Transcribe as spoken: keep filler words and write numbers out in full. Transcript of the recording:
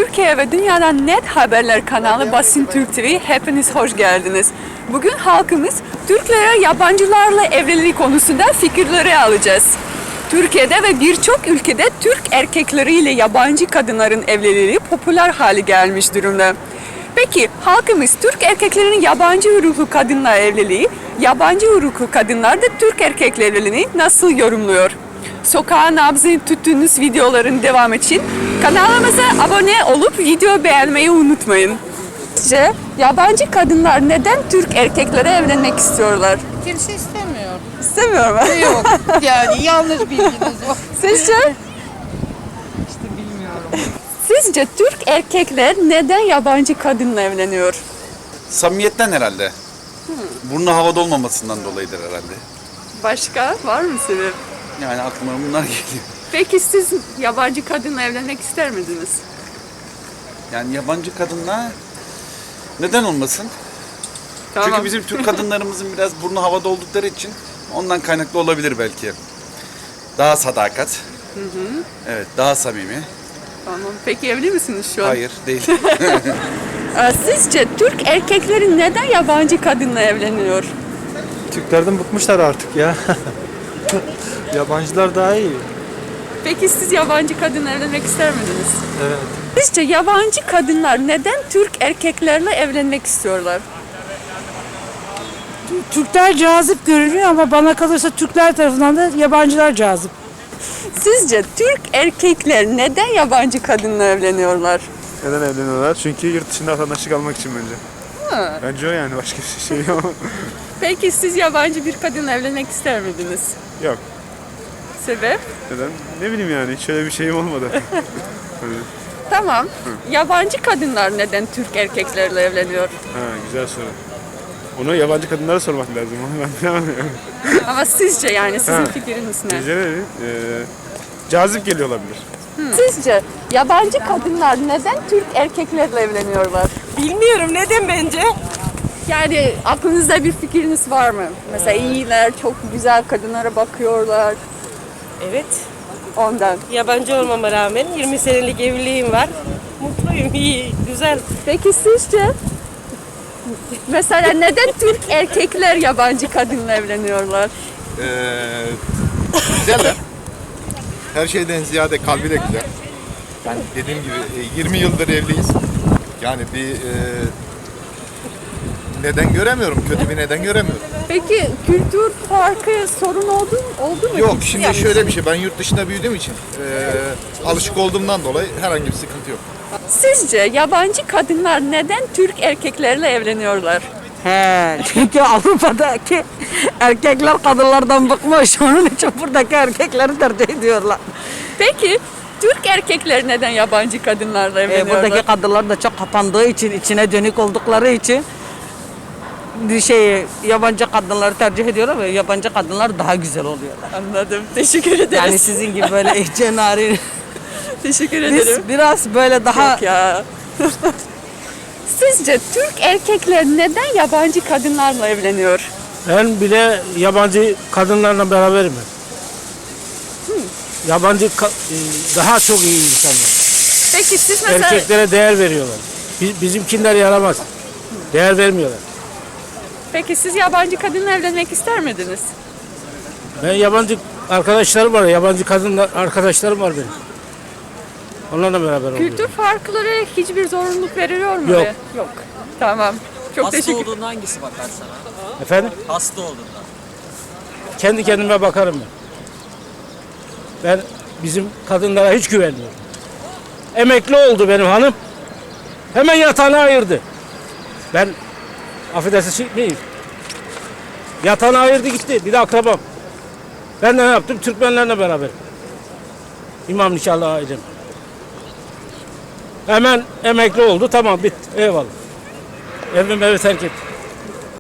Türkiye ve dünyadan net haberler kanalı Basın Türk T V hepiniz hoş geldiniz. Bugün halkımız Türklere yabancılarla evliliği konusunda fikirleri alacağız. Türkiye'de ve birçok ülkede Türk erkekleriyle yabancı kadınların evliliği popüler hale gelmiş durumda. Peki halkımız Türk erkeklerinin yabancı uyruklu kadınla evliliği, yabancı uyruklu kadınlar da Türk erkekle evliliğini nasıl yorumluyor? Sokağın nabzını tuttuğunuz videoların devamı için kanalımıza abone olup video beğenmeyi unutmayın. Sizce yabancı kadınlar neden Türk erkeklere evlenmek istiyorlar? Kimse istemiyor. İstemiyor mu? Yok yani yanlış bilginiz var. Sizce? İşte bilmiyorum. Sizce Türk erkekler neden yabancı kadınla evleniyor? Samimiyetten herhalde. Burnu havada olmamasından dolayıdır herhalde. Başka var mı sebep? Yani aklıma bunlar geliyor. Peki siz yabancı kadınla evlenmek ister miydiniz? Yani yabancı kadınla neden olmasın? Tamam. Çünkü bizim Türk kadınlarımızın biraz burnu havada oldukları için ondan kaynaklı olabilir belki. Daha sadakat. Hı hı. Evet, daha samimi. Tamam. Peki evli misiniz şu an? Hayır, değil. Ee, Sizce Türk erkekleri neden yabancı kadınla evleniyor? Türklerden bıkmışlar artık ya. Yabancılar daha iyi. Peki siz yabancı kadınla evlenmek ister miydiniz? Evet. Sizce yabancı kadınlar neden Türk erkeklerle evlenmek istiyorlar? Türkler cazip görünüyor ama bana kalırsa Türkler tarafından da yabancılar cazip. Sizce Türk erkekler neden yabancı kadınla evleniyorlar? Neden evleniyorlar? Çünkü yurt dışında vatandaşlık almak için bence. Ha. Bence o yani, başka bir şey yok. Peki siz yabancı bir kadınla evlenmek ister miydiniz? Yok. Sebep? Neden? Ne bileyim yani, hiç öyle bir şeyim olmadı. Hani, Tamam. Yabancı kadınlar neden Türk erkeklerle evleniyor? ha, güzel soru. Onu yabancı kadınlara sormak lazım. Onu ben bilemem. Ama sizce yani sizin Ha. fikriniz ne? Gece ne? Ee, cazip geliyor olabilir. Sizce yabancı kadınlar neden Türk erkeklerle evleniyorlar? Bilmiyorum neden bence? Yani aklınızda bir fikriniz var mı? Mesela iyiler, çok güzel kadınlara bakıyorlar Evet. ondan. Yabancı olmama rağmen yirmi senelik evliliğim var. Mutluyum, iyi, güzel. Peki sizce mesela neden Türk erkekler yabancı kadınla evleniyorlar? Ee, güzeller. Her şeyden ziyade kalbi de güzel. Yani dediğim gibi e, yirmi yıldır evliyiz. Yani bir e, neden göremiyorum, kötü bir neden göremiyorum. Peki kültür farkı sorun oldu, oldu mu? Yok, şimdi şöyle bir şey, ben yurt dışında büyüdüğüm için e, alışık olduğumdan dolayı herhangi bir sıkıntı yok. Sizce yabancı kadınlar neden Türk erkeklerle evleniyorlar? He, çünkü Avrupa'daki erkekler kadınlardan bıkmış. Onun için buradaki erkekleri tercih ediyorlar. Peki Türk erkekler neden yabancı kadınlarla E, evleniyorlar? buradaki kadınlar da çok kapandığı için, içine dönük oldukları için bir şey yabancı kadınları tercih ediyorlar ve yabancı kadınlar daha güzel oluyorlar. Anladım. Teşekkür ederiz. Yani sizin gibi böyle ihce narin. Teşekkür Biz ederim. biraz böyle daha Yok ya. Sizce Türk erkekler neden yabancı kadınlarla evleniyor? Ben bile yabancı kadınlarla beraberim. Yabancı ka- e, daha çok iyi insanlar. Peki siz mesela Erkeklere değer veriyorlar. Biz, bizimkiler yaramaz. Değer vermiyorlar. Peki siz yabancı kadınla evlenmek ister miydiniz? Ben yabancı arkadaşlarım var, yabancı kadınlar arkadaşlarım var benim. Onlarla beraber oluyorum. Kültür farkları hiçbir zorunluluk veriliyor mu? Yok. oraya? Yok. Tamam. Çok Hasta teşekkür olduğunda hangisi bakar sana? Efendim? Hasta olduğunda. Kendi kendime bakarım ben. Ben bizim kadınlara hiç güvenmiyorum. Emekli oldu benim hanım. Hemen yatağını ayırdı. Ben affedersin şey miyim? Yatağını ayırdı gitti. Bir de akrabam. Ben de ne yaptım? Türkmenlerle beraber. İmam nikahlı ailem. Hemen emekli oldu. Tamam bitti. Eyvallah. Evim evi terk etti.